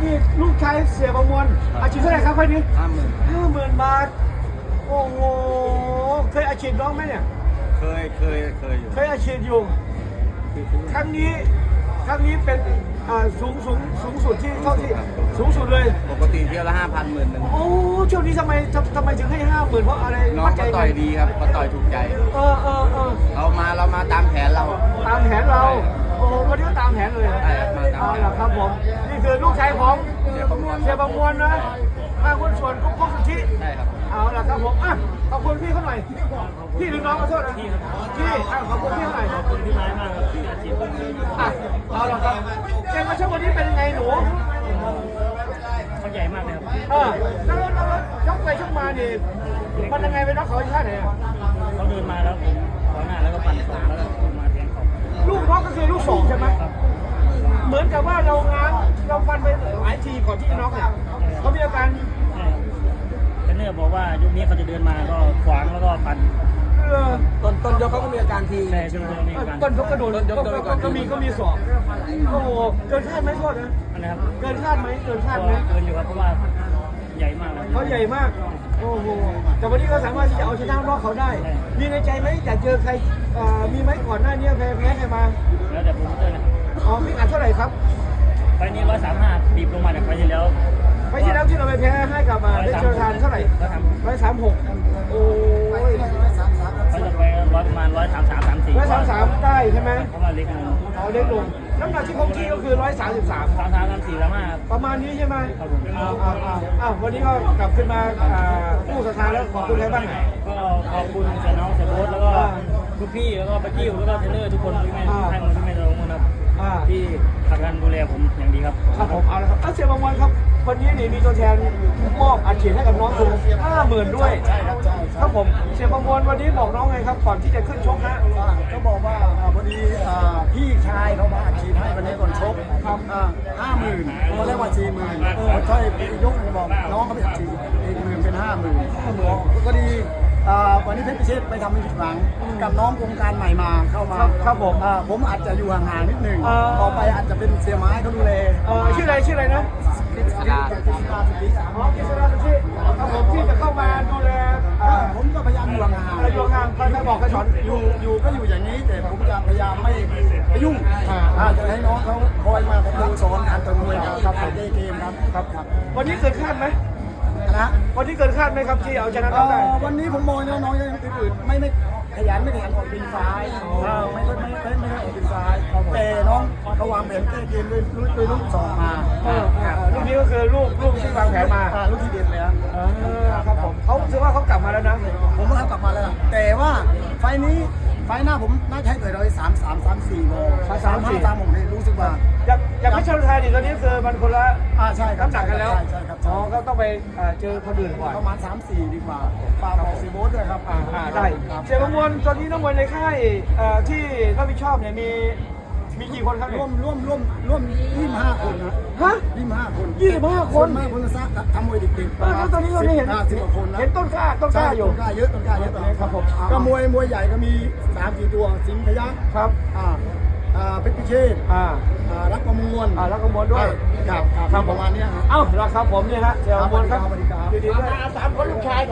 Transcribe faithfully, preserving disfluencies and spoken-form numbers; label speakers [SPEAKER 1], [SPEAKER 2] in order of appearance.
[SPEAKER 1] นี่ลูกชายเสียประมวลอาชีพเท่าไหร่ครับไฟนี้
[SPEAKER 2] ห้าหมื่น
[SPEAKER 1] ห้าหมื่นบาทโอ้โหเคยอาชีพน้องไหมเนี่ย
[SPEAKER 2] เคยเคยเคยอยู่
[SPEAKER 1] เคยอาชีพอยู่ครั้งนี้ครั้งนี้เป็นสูงสูงสูงสุดที่เท่าที่สูงสุดเลย
[SPEAKER 2] ปกติเที่ยวละห้าพันหมื่นหนึ่ง
[SPEAKER 1] โอ้ช่วงนี้ทำไมทำไมถึงให้ห้าหมื่นเพราะอะไร
[SPEAKER 2] น้องก็ต่อยดีครับก็ต่อยถูกใจ
[SPEAKER 1] เออเออเออ
[SPEAKER 2] เรามาเรามาตามแผนเรา
[SPEAKER 1] ตามแผนเราโอ้วันนี้ก็ตามแผนเลย
[SPEAKER 2] ใช่ครับมาตาม
[SPEAKER 1] แผนเอาล่ะครับผมนี่คือลูกชายของ
[SPEAKER 2] เสียประมวล
[SPEAKER 1] เสียประมวลนะมาคนส่วนกุ๊กกุ๊กสุทธิ
[SPEAKER 2] ใช่ครับ
[SPEAKER 1] เอาล่ะครับผมอ่ะขอบคุณพี่เขาหน่อยพี่หรือน้องขอโทษนะพี่พี่อ่ะขอบคุณพี่หน่อยขอบคุณพี่ไม้มากครับที่อาชีพอ่ะเอาล่ะครับเกมมาช่วงวันนี้เป็นยังไงหนู
[SPEAKER 3] เขาใหญ่มากเลยครับ
[SPEAKER 1] เออแล้วแล้วชกไปชกมาดิมันยังไงไปน็อกเขาที่ท่าไหนอ่ะ
[SPEAKER 3] เขาเดินมาแล้วผมขวางหน้าแล้วก็ปั่นสองแล้วก็มาแทงเขา
[SPEAKER 1] ลูกน็อกก็คือลูกสองใช่ไหมเหมือนกับว่าเราง้างเราฟันไปหลายทีก่อนที่จะน็อกเนี่ยเขามีอาการ
[SPEAKER 3] เทรนเนอร์บอกว่ายุคนี้เขาจะเดินมาก็ขวางแล้วก็ปั่น
[SPEAKER 2] ต้นต้นยกเขาก็มีอาการที
[SPEAKER 3] ใช่ใช่ไหม
[SPEAKER 1] ต้นยกกระโดดก็มีก็มีสอบโอ้โหเกินคาดไหมโทษนะ
[SPEAKER 3] นะครับ
[SPEAKER 1] เกินคาดไหมเกินคาดไหม
[SPEAKER 3] เกินอยู่ครับเพราะว่าใหญ่มาก
[SPEAKER 1] เขาใหญ่มากโอ้โหแต่วันนี้ก็สามารถที่จะเอาชนะน็อกเขาได้มีในใจไหมอยากเจอใครมีไหมก่อนหน้านี้แพ้แพ้ใครมา
[SPEAKER 3] แล้วแต่ผมเจอนะ
[SPEAKER 1] อ๋อพี่อัดเท่าไหร่ครับ
[SPEAKER 3] ไฟนี้ร้อยสามห้าบีบลงมาจากไฟที่แล้ว
[SPEAKER 1] ไฟที่แล้วที่เราไปแพ้ให้กับมาได้เจอทานเท่าไหร่ร้อยสามหกโอ้ย
[SPEAKER 3] เขาจะไปร้อยประมาณร้อยสามสามสามสี่
[SPEAKER 1] ร้อยสามสามได้ใช่ไหม
[SPEAKER 3] เพราะว่าเล็กลง
[SPEAKER 1] อ๋อเล็กลงน้ำหนักที่เขากี้ก็คือร้อยสามสิบสาม
[SPEAKER 3] สามสามสามสี่แล้วมา
[SPEAKER 1] ประมาณนี้ใช่ไหมครับผมอ้าวอ้าวอ้าววันนี้ก็กลับขึ้นมาผู้สถานแล้วขอบคุณใครบ้าง
[SPEAKER 3] ก็ขอบคุณเสียน้องเสียโบ๊ทแล้วก็ทุกพี่แล้วก็ปากิ้วแล้วก็เทรนเนอร์ทุกคนที่ไม่ให้มันที่ไม่ลงนะครับที่ผลักดันดูแลผมอย่างดีครับ
[SPEAKER 1] ครับผมเอาละครับเสียบางวันครับวันนี้นี่มีตัวแทนมอบอาชีพให้กับน้องคุณห้าหมื่นด้วย
[SPEAKER 2] ใช่ครับใช่
[SPEAKER 1] ครับผมเสียบางวันวันนี้บอกน้องไงครับก่อนที่จะขึ้นชกฮะ
[SPEAKER 2] ก็บอกว่าพอดีพี่ชายเขามาอาชีพให้วันนี้ก่อนชกครับห้าหมื่นตอนแรกว่าสี่หมื่นค่อยยกบอกน้องเขาไปอาชีพอีกหมื่นเป็นห้าหมื่นก็ดีวันนี้เพชรพิเชษไปทำในผิดหวังกับน้องวงการใหม่มาเข้ามา
[SPEAKER 1] ครับผม
[SPEAKER 2] ผมอาจจะอยู่ห่างๆนิดนึงต่อไปอาจจะเป็นเสียไม้เขาดูแล
[SPEAKER 1] ชื่ออะไรชื่ออะไรนะกิษดาอ๋อกิษดาที่ครับผมที่จะเข้ามาดูแล
[SPEAKER 2] ผมก็พยายามอยู่ห่าง
[SPEAKER 1] ๆอยู่ห่างๆใครบอกใครสอน
[SPEAKER 2] อยู่อยู่ก็อยู่อย่างนี้แต่ผมจะพยายามไม่ไปยุ่งจะให้น้องเขาคอยมาดูสอนการต่อยมวยครับในเกมครับ
[SPEAKER 1] ครับวันนี้เกิดคาดไหม
[SPEAKER 2] นะ
[SPEAKER 1] วันนี้เกินคาดไหมครับที่เอาชนะได้
[SPEAKER 2] วันนี้ผมมองน้องๆยังตื่นไม่ไม่ขยันไม่ขยันออกบินซ้ายไม่ไม่ไม่ไม่ได้ออกบินซ้ายแต่น้องเขาวางแผนแก้เกมด้วยด้วยลูกสองมา
[SPEAKER 1] ลูกนี้ก็คือลูกลูกที่วางแผนมา
[SPEAKER 2] ลูกที่เด็ดเลย
[SPEAKER 1] ครับผมเขาถือว่าเขากลับมาแล้วนะ
[SPEAKER 2] ผมว่าเขากลับมาแล้วแต่ว่าไฟนี้ไฟหน้าผมน่าจะให้เกิดเราสามสามสามสี่โมสามสี่สามโมงเลยรู้สึกว่า
[SPEAKER 1] อยากอยากพิชลไทยดิตอนนี้คือมันคนละ
[SPEAKER 2] อ่าใช่ครับ
[SPEAKER 1] น้ำหนักกันแล้ว
[SPEAKER 2] ใช่ครับ
[SPEAKER 1] อ๋อก็ต้องไปเจอคนอื่นก่อน
[SPEAKER 2] ประมาณสามสี่ดีกว่าฝากบอกซีโบ๊ทด้วยครับ
[SPEAKER 1] อ่าได้เสียประมวลตอนนี้นักมวยในค่ายที่รับผิดชอบเนี่ยมีมีกี่คนครับ
[SPEAKER 2] ร่วมร่วมร่วมร่วมยี่สิบห้าคนนะ
[SPEAKER 1] ฮะ
[SPEAKER 2] ยี่สิบห้าคน
[SPEAKER 1] ยี่สิบห้าคน
[SPEAKER 2] มากคนละซักทำมวยเด็กๆ
[SPEAKER 1] แล้วตอนนี้เราได้เห็น
[SPEAKER 2] สิบกว่าคนนะ
[SPEAKER 1] เห็นต้นกล้าต้นกล้าอยู่
[SPEAKER 2] ต้นกล้าเยอะต้นกล้าเยอะตอนนี้ครับผมก็มวยมวยใหญ่ก็มีสามสี่ตัวสิงห์พยัคฆ์
[SPEAKER 1] ครับ
[SPEAKER 2] อ่าอ่าเพชรพิเชษ
[SPEAKER 1] อ่า
[SPEAKER 2] รักประมวล
[SPEAKER 1] อ่ารักประมวลด้วย
[SPEAKER 2] ครับครับประมาณนี้ครับ
[SPEAKER 1] เอ้าราคาผมเนี่ยฮะเสียประมวลครับดีๆด้วยสามคนลูกชาย